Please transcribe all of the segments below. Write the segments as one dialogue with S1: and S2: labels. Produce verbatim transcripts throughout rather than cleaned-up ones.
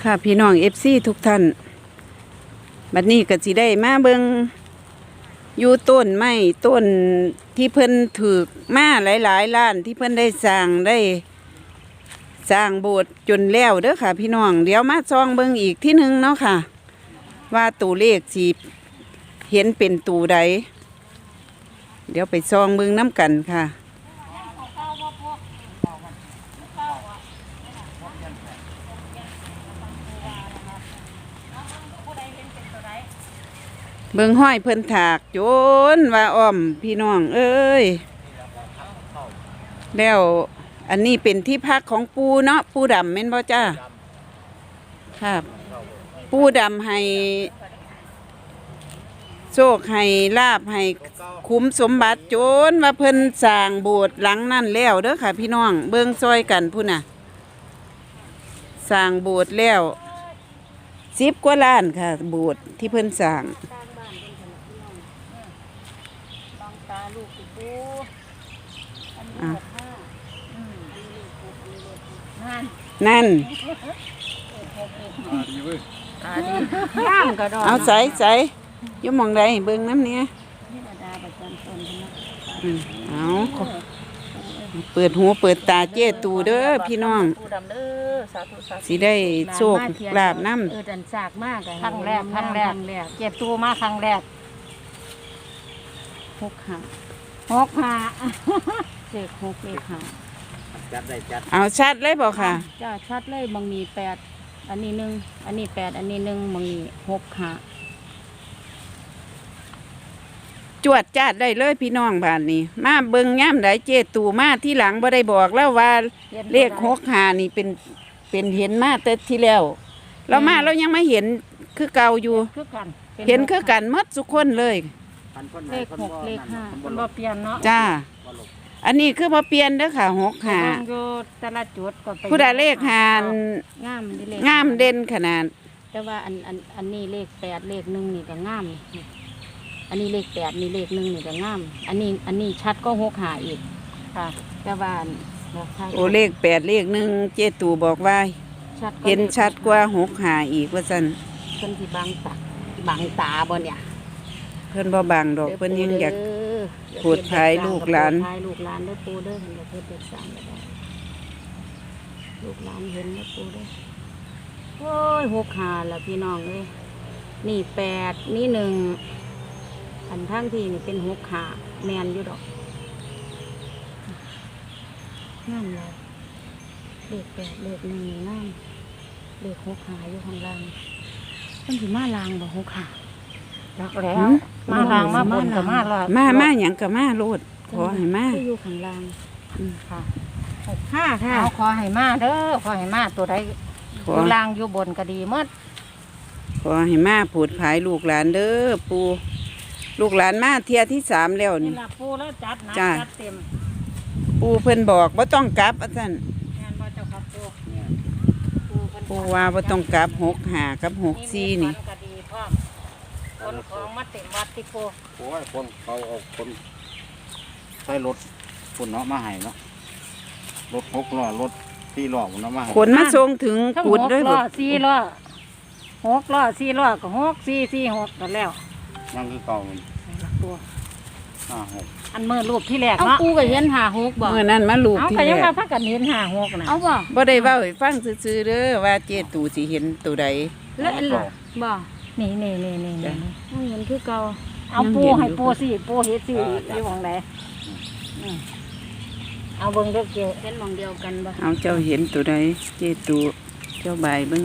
S1: ค่ะพี่น้องเอฟซีทุกท่านบัดนี้ก็สิได้มาเบิงอยู่ต้นไม้ต้นที่เพิ่นถือมาหลายๆล้านที่เพิ่นได้สร้างได้สร้างโบสถ์จนแล้วเด้อค่ะพี่น้องเดี๋ยวมาซองเบิงอีกที่หนึ่งเนาะค่ะว่าตัวเลขสิเห็นเป็นตัวใดเดี๋ยวไปซองเบิงน้ำกันค่ะเบิ่งห้อยเพิ่นถากโจนว่าอ้อมพี่น้องเอ้ยแล้วอันนี้เป็นที่พักของปูเนาะปูดำแม่นบ่จ้าครับปูดำให้โชคให้ลาบให้คุ้มสมบัติโจนว่าเพิ่นสร้างโบสถ์หลังนั่นแล้วเด้อค่ะพี่น้องเบิ่งซอยกันพุ่นน่ะสร้างโบสถ์แล้วสิบกว่าล้านค่ะโบสถ์ที่เพิ่นสร้างนั่นเอาใส่ใส่ยมมองใดเบิ่งน้ำเนี้ยเอาเปิดหูเปิดตาเจ้ตูเด้อพี่น้องสิได้โชคลาบน้ำ
S2: เออดันสากมากครั้งแรกครั้งแรกเจ็บตูมาครั้งแรกหกห้าหกห้าเจ็ดหกเลขห้า
S1: เอาชัดเลยบอกค่ะ
S2: จ้าชัดเลยบางมีแปดอันนี้หนึ่งอันนี้แปดอันนี้หนึ่งบางมีหกห้า
S1: จวดจัดได้เลยพี่น้องบ้านนี้มาเบิ่งย่ำได้เจตูมาที่หลังบ่ได้บอกแล้วว่าเลขหกห้านี่เป็นเป็นเห็นมาแต่ที่แล้วเรามาเรายังไม่เห็นคือเก่าอยู่เห็นคือกันหมดทุกคนเลย
S2: เลขหกเลขห้ามันบ่เปลี่ยนเนาะ
S1: จ้าอันนี้คือบ่เปลี่ยนเด้อค่ะหกห้า
S2: แต่ละจุดก็ไป
S1: ผู้ใดเลขห้างามงามเด่นขนาด
S2: แต่ว่าอันอันอันนี้เลขแปดเลขหนึ่งนี่ก็งามอันนี้เลขแปดนี่เลขหนึ่งนี่ก็งามอันนี้อันนี้ชัดก็หกห้าอีกค่ะแต่ว่า
S1: โอเลขแปดเลขหนึ่งเจตูบอกว่าเห็นชัดกว่าหกห้าอีกว่าซั่น
S2: เพิ่นสิบังตาบังตาบ่เนี่ย
S1: เพิ่นบ่บังดอกเพิ่นยังอยากพูดภายลูกหลาน
S2: ภายลูกหลานเด้อปู่เด้อเพิ่นก็เพิ่นเป็นสร้างได้ลูกหลานเห็นเด้อปู่เด้อโอ้ยหกห้าล่ะพี่น้องเอ้ยนี่แปดนี่หนึ่งอันทั้งที่นี่เป็นหกขาแมนอยู่ดอกงามเลยเลขแปดเลขหนึ่งงามเลขหกขาอยู่ข้างล่างต้องถือมาลางบอกหกขาจักแล้วมาลางมาบนกับมาลาง
S1: มามาอย่างกับมาโลดขอให้มา
S2: อยู่ข้างล่างค่ะหกห้าค่ะขอให้มาเด้อขอให้มาตัวใดอยู่ล่างอยู่บนก็ดีมด
S1: ขอให้มาผูดผายลูกหลานเด้อปูลูกหลานมาเที่ยที่สามแล้วนี่
S2: ปูแล้วจัดนะจัดเต็ม
S1: ปูเพิ่นบอกว่าต้องกลับอาจารย์ปูว่าว่าต้องกลับหกห้ากับหกสี่นี่
S2: คนของมาเต็มวัดที่ปู
S3: โอ้ยคนเขาเอาคนใช้รถคนเนาะมาให้เนาะรถหกล้อรถสี่ล้อเนาะมา
S1: ขนมาส่งถึงกุดด้วย
S2: บ่สี่ล้อหกล้อสี่ล้อก็หกสี่สี่หกกันแล้ว
S3: ยังคือเก่า
S2: ตัว
S3: ห้าหก
S2: อันเมื่อรูปที่แรกเนาะปูก็เห็นหาหกบ่
S1: เมื่อนั้นมารูปที่แรก
S2: เอาใครยังมาพักกันเห็นหาหกนะ
S1: เอาบ่บ่ได้เว้าให้ฟังซื่อๆเด้อว่าเจตูสิเห็นตัวใด
S2: แล้วบ่นี่นี่นี่นี่นี่เห็นคือเก่าเอาปูให้ปูสิปูเฮ็ดสิอยู่หม่องไหนเอาเบิ่งเด้อเจ้เห็นหม่องเดียวกันบ่
S1: เอาเจ้าเห็นตัวใดเจตูเจ้าบายเบิ่ง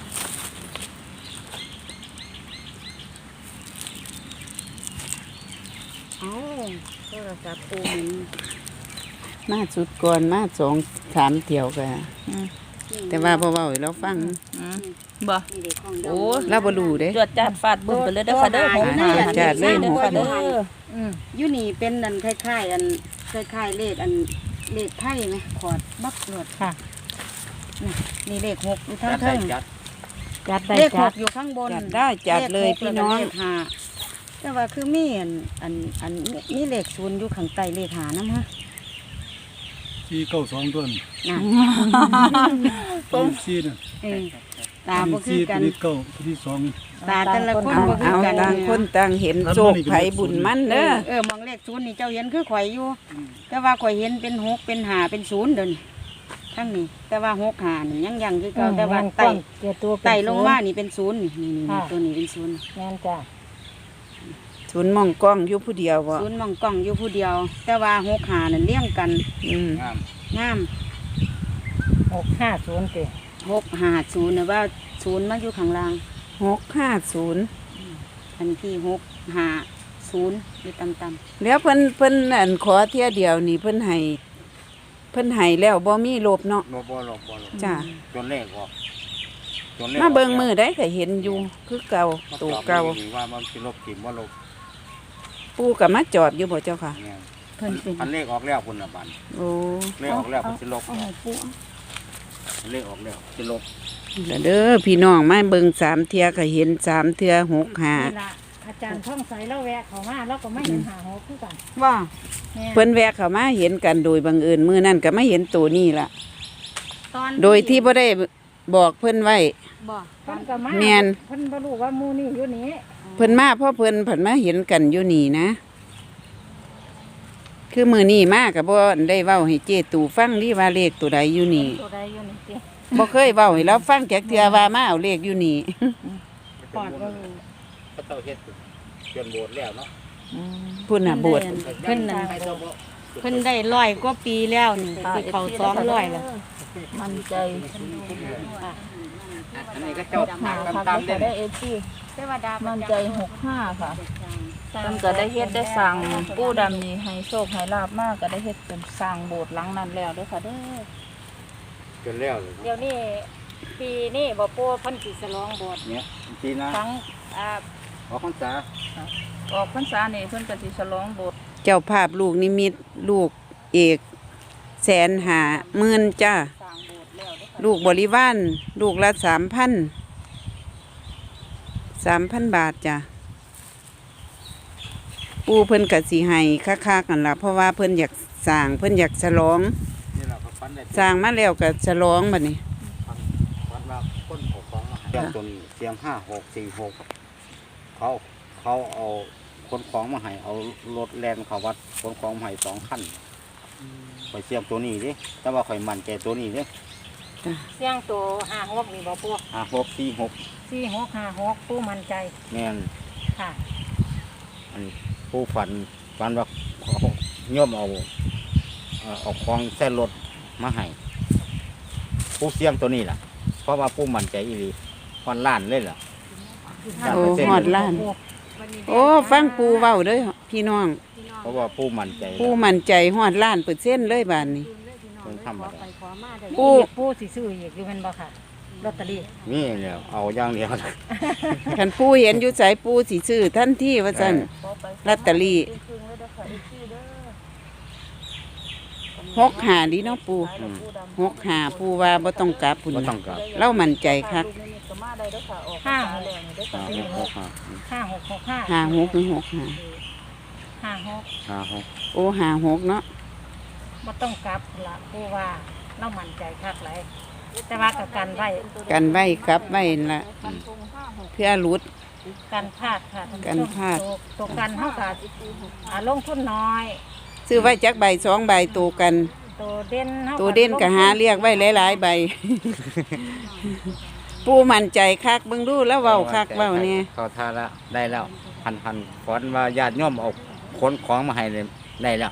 S2: โทรศัพท์ปูมิน
S1: มาสุดก่อนมาสองสามเที่ยวกันแต่ว่าพอเบาเราฟัง
S4: บ่โอ้
S1: เราบ่รู้เด้
S4: จวดจัดฟาดบึ้มไปเลยเด้อค่ะเด้อผม
S1: จัดเลยหมู่
S2: เด้ออยู่นี่เป็นอันคล้ายๆอันคล้ายๆเลขอันเลขไพ่ไหมขอดบักหลดค่ะนี่เลขหกอยู่ทั้งทั้งจัดได้เลขหกอยู่ข้างบน
S1: จัดได้จัดเลยพี่น้อง
S2: แต่ว่าคือมีอันอันอันมีเลขศูนย์อยู่ข้างใต้เลขหาน้ำฮะ
S3: สี่เก้าสองต้น
S2: นะ
S4: ตรง
S5: สี่น่ะ
S2: เออตาบ่คือ
S5: สี่
S2: กั
S5: ตัวน นี้เก้าตัวที่สอง
S2: ตาแต่ละคน
S1: เอา
S2: บ่คือ
S1: เอา
S2: กัน
S1: ต่างคนต่างเห็นโชคไผบุญมัน
S2: เอ
S1: เด้อ
S2: อเออมองเลขศูนย์นี่เจ้าเห็นคือข่อยอยู่ แต่ว่าข่อยเห็นเป็นหกเป็นห้าเป็นศูนย์เดินทั้งนี้ แต่ว่าหกห้านี่ยังยังคือเก่าแต่ว่าไต่ไต่ลงมานี่เป็นศูนย์นี่นี่นี่ตัวนี้เป็นศูนย์
S6: แม่นจ้ะ
S1: ศูนย์มองกล้องอยู่ผู้เดียวบ่
S2: ศูนย์มองกล้องอยู่ผู้เดียว แต่ว่าหกห้านั่นเลี้ยงกัน
S1: อืม
S3: งาม
S2: งาม
S6: หกห้าศูนย์ติ
S2: หกห้าศูนย์นะว่าศูนย์มาอยู่ข้างล่าง
S1: หกห้าศูนย์
S2: อันที่หกห้าศูนย์อยู่ต่ำ
S1: แล้วเพิ่นเพิ่นอันขอเที่ยเดียวนี่เพิ่นให้เพิ่นให้แล้วบ่มีลบเนาะ
S3: บ่บ่หลบบ่หลบ
S1: จ้า
S3: จนเลขออกจนเลข
S1: มาเบิ่งมือได้ก็เห็นอยู่คือเก่า
S3: มา
S1: ตัว
S3: ตอบ
S1: เก่า
S3: ดีว่ามันสิลบถิ่มบ่ลบ
S1: ปู่ก็มาจอดอยู่บ่เจ้าค่ะ
S3: เนี่ย
S2: ๆเพิ่นเป็น
S3: อันเลขออกแล้วพุ่นน่ะบัด
S1: โอ้
S3: เลขออกแล้วมันสิลบ
S2: เอาให้ปู่
S3: เลขออกแล้วสิลบ
S1: แล้วเด้อพี่น้องมาเบิ่งสามเที่ยก็เห็นสามเที่ยหกห้า
S6: นี่ล่ะอาจารย์ท่องใสแล้วแวะเข้ามาแล้วก็ไม่เห็นหาหกคือกัน
S2: ว่า
S6: แม่
S1: เพิ่นแวะเข้ามาเห็นกันโดยบังเอิญมื้อนั้นก็มาเห็นตัวนี้ล่ะ
S2: ตอน
S1: โดยที่บ่ได้บอกเพิ่นไว้
S2: บ่ต
S6: เพิ่
S2: อน
S6: นก็มา
S1: แม่น
S6: เพิ่นบ่รู้ว่าหมู่นี่อยู่นี่
S1: เพิ่นมาเพราะเพิ่นเพิ่นมาเห็นกันอยู่นี่นะ คือมื้อนี้มาก็บ่ได้เว้าให้เจตูฟังดิว่าเลขตัวใดอยู่นี่
S6: ตัวใดอยู่นี่ติ
S1: บ่เคยเว้าให้เราฟังจักเทื่อว่ามาเอาเลขอยู่นี่
S2: ปอดบ่รู้
S3: พระเจ้าเฮ็ดเปลี่ยนโบสถ์แล้วเนาะ
S1: พุ่นน่ะโบสถ์
S2: เพิ่นน่ะ
S3: ให้เจ้าบ่
S2: เพิ่นได้ร้อยกว่าปีแล้วนี่สิเข้าสองร้อยแล้ว
S4: มันใจ
S3: อันนี้ก็เจ้า
S4: หา
S3: ตาม
S4: ค่ะ
S3: ตาม
S4: ก็
S3: เล่น
S4: ได้เอฟซี
S2: เทวดา
S4: มันใจหกห้าค่ะเพิ่นก็ได้เฮ็ดได้สั่งปู่ดำนี่ให้โชคให้ลาบมากก็ได้เฮ็ดเป็นสร้างโบสถ์หลังนั้นแล้วเด้อค่ะเด้อ
S3: จนแล้วเลย
S6: เดี๋ยวนี้ปีนี้บ่ปู่เพิ่นสิฉลองโบสถ์
S3: เนี่ยทีนะ
S6: ทั้งอ่า
S3: ออกพรรษา
S4: ออกพรรษานี่เพิ่นก็สิฉลองโบสถ์
S1: เจ้าภาพลูกนิมิตลูกเอกแสนหาหมื่นจ้า
S4: สร้างโบสถ์แล้วเด้อค่ะ
S1: ลูกบริวารลูกละสามพันสามพันบาทจ้ะปูเพิ่นกะสีให้ค่าๆกันละเพราะว่าเพิ่นอยากสร้างเพิ่นอยากฉลอง
S3: นี่เราก็ฟันได้
S1: สร้างมาแล้วก็ฉลองบัดนี้
S3: ฟันว่าคนเอาของมาให้เสียงตัวนี้เสียงห้าหกสี่หกเขาเขาเอาคนของมาให้เอารถแลนเขาวัดคนของมาให้สองคันข่อยเสียงตัวนี้ดิแต่ว่าข่อยมั่นใจตัวนี้ดิ
S6: เสียงตัวห้าหกนี่บ่ปู่
S3: ห้าหกสี่หก
S6: สี่หกห้าหกปู่มั่นใจ
S3: แม่น
S6: ค่ะ
S3: อันนี้ผู้ฝันฝันว่าเขาย่อมเอาเอ่อเอาของแส้นรถมาให้ผู้เสียงตัวนี้ล่ะ เพราะว่าผู้มั่นใจอีหลีวันล้านเลยล่ะ
S1: โอ้ฮอดล้าน โอ้ฟังปูเว้าเด้อพี่น้อง
S3: เพราะว่าผู้มั่นใจ
S1: ปูมั่นใจฮอดล้านเปอร์เซ็นต์เลยบาดนี้
S3: เป็นธรรมดา
S1: ปู่
S6: ปู่ปู่สิซื้ออีกอยู่แม่นบ่ค่ะลอตเตอรี่
S3: นี่เนี่ยเอาอย่างเดียว
S1: คันปูเห็นอยู่ไสปูสิซื้อทันทีว่าซั่น ลอตเตอรี่ หกหาดีเนาะปู
S3: อืม
S1: หกหาปูว่าบ่ต้องกลับพุ่น
S3: บ่
S1: น่ะ
S3: ต้องกลับ
S1: เรามั่นใจคัก
S6: ห้าหก
S3: ห้าหกหกห้า
S6: ห้าหกหกห้า
S1: หาหกหรือหกหา
S6: ห้าหก
S3: ห้าหก
S1: โอ้หาหกเนาะ
S6: บ่ต้องกลับละผู้ว่าเรามั่นใจคักหลายแต่ว่ากับกันไว้
S1: กันไว้กลับไว้นั่นละเพื่อหลุด
S6: กันพลาดค่ะท่นผู้ชม
S1: กันพลาด
S6: ตัวตัวกันเท่ากับอ่าลงทุนน้อย
S1: ซื้อไว้จักใบสองใบตัวกัน
S6: ตัวเด่นท่ากับ
S1: ตัวเด่นก็หาเรียกไว้หลายๆใบ ปูมั่นใจคักเบิ่งดูแล้วเว้าคักเว้าเนี่ย
S3: เขาท่าแล้วได้แล้วพันพันฝันว่าญาติโยมเอาขนของมาให้เลยได้แล้ว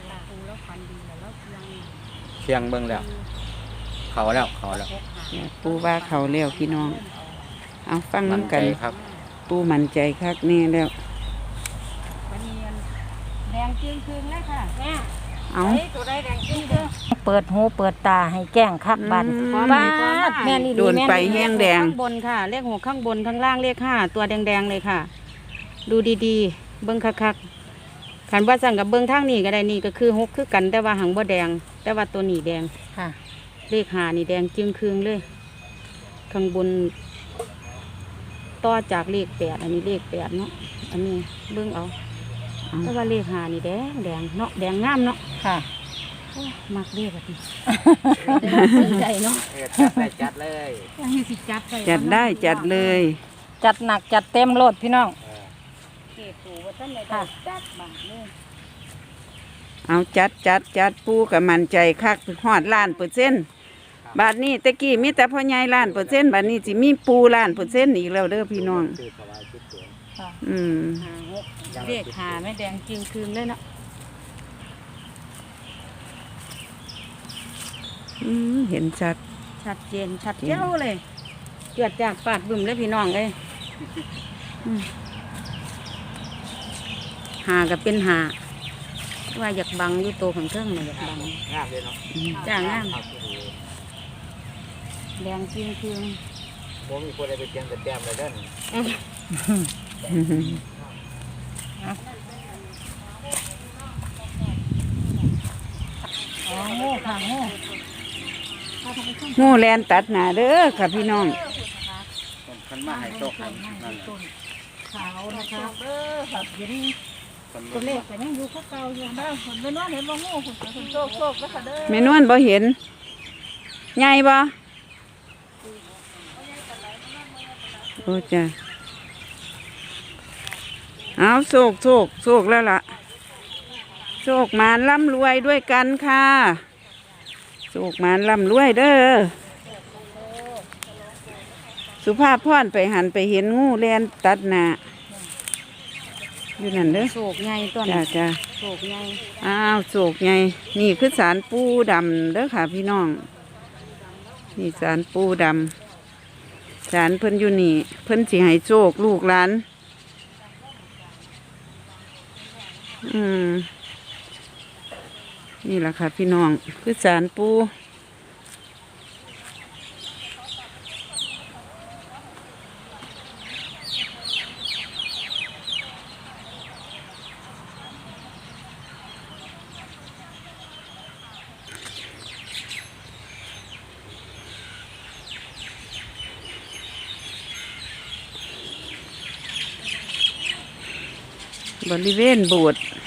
S3: เชียงเบิ่งแล้ว เขาแล้วเขาแล้ว
S1: ปูว่าเขาเลี้ยวพี่น้อง เอาฟัง
S3: มั่น
S1: นำ
S3: ใจ
S1: กัน
S3: ครับ
S1: ปูมั่นใจคักแน่แล้ว
S2: วันนี้แดงจึงคืนเลยค่ะ
S6: แม่
S1: เอา
S6: ไอ้ตัวได้แดงจริงเด้อเปิดหูเปิดตาให้แจ้งคักบัน
S1: อืม
S6: บ้าดแม่นี่
S1: โดนไปแห้งแดง
S2: ข้างบนค่ะ เลขหกข้างบนข้างล่างเลขห้าตัวแดงๆเลยค่ะ ดูดีๆ เบิ้งคักๆขันว่าสั่งกับเบิ้งทางนี้ก็ได้นี่ก็คือหกคือกันแต่ว่าหางบ่แดง แต่ว่าตัวนี้แดง
S6: ค่ะ
S2: เลขห้านี่แดงจึงคืงเลย ข้างบน ต่อจากเลขแปดอันนี้เลขแปดเนาะอันนี้เบิ้งเอาแต่ว่าเลขห้านี่แดงแดงเนาะแดงงามเนาะ
S6: ค่ะ
S2: โอ้มักเรียกแบบนี้ใจเนาะ
S3: เออจัดได้จัดเลย
S6: ยังสิจัดไป
S1: จัดได้จัดเลย
S6: จัดหนักจัดเต็มโลดพี่น้อง
S3: เออ
S2: เก็บปูว่าท่านได้ได้จัดบาทเลย
S1: เอาจัดจัดจัดปูกับมันใจคักฮอดล้านเปอร์เซ็นต์บาทนี้ตะกี้มีแต่พ่อใหญ่ล้านเปอร์เซ็นต์บาทนี้สิมีปูล้านเปอร์เซ็นต์อีกแล้วเด้อพี่น้อง
S3: คือถวายชุดสวย
S1: อืม
S2: หาหกเรียกหาไม่แดงจริงคืนเลยเนาะ
S1: อืมเห็นชัด
S2: ชัดเจนชัดเจ้าเลยเกิดจากปาดบึมเลยพี่น้องเลยอืมหากับเป็นหาว่าอยากบังอยู่โตวข้างเครื่องมาอยากบัง
S3: งามเลยเนาะ
S2: จ้างงาม
S3: ครับที่ดี
S2: แดงจริงคืน
S3: บ่มีคนได้ไปเจียงแต่แต้มเลยเด้อ
S6: อ๋อโง่ค่ะโง่
S1: งูแลนตัดหนาเด้อค่ะพี่น้อง
S3: คนคันมาให้โชคให้นั่น
S6: ต้นขาวนะคะ
S4: เด้อครับ
S6: เดี๋ยวนี้
S3: คน
S6: ตัวเลขแต่ยังอยู่เขาเก่าอยู่ได้ผลไม่น้อยเห็นว่าโง่ผล
S4: คุณโชคโชคนะคะเด้อ
S1: แม่นวลบ่เห็นใหญ่บ่โอ้จ้ะเอาโศกโศกโศกแล้วล่ะโศกมานร่ำรวยด้วยกันค่ะโศกมานร่ำรวยเด้อสุภาพพรไปหันไปเห็นงูแลนตัดหน้าอยู่นั่นเด้อ
S2: โศกใหญ่ต้น
S1: จ้าจ้า
S2: โศกใหญ่
S1: อ้าวโศกไงนี่คือสารปูดำเด้อค่ะพี่น้อง นี่สารปูดำสารเพิ่นอยู่นี่ เพิ่นสิให้โชคลูกหลาน อืมนี่แหละค่ะพี่น้อง คือสารปูบริเวณโบสถ์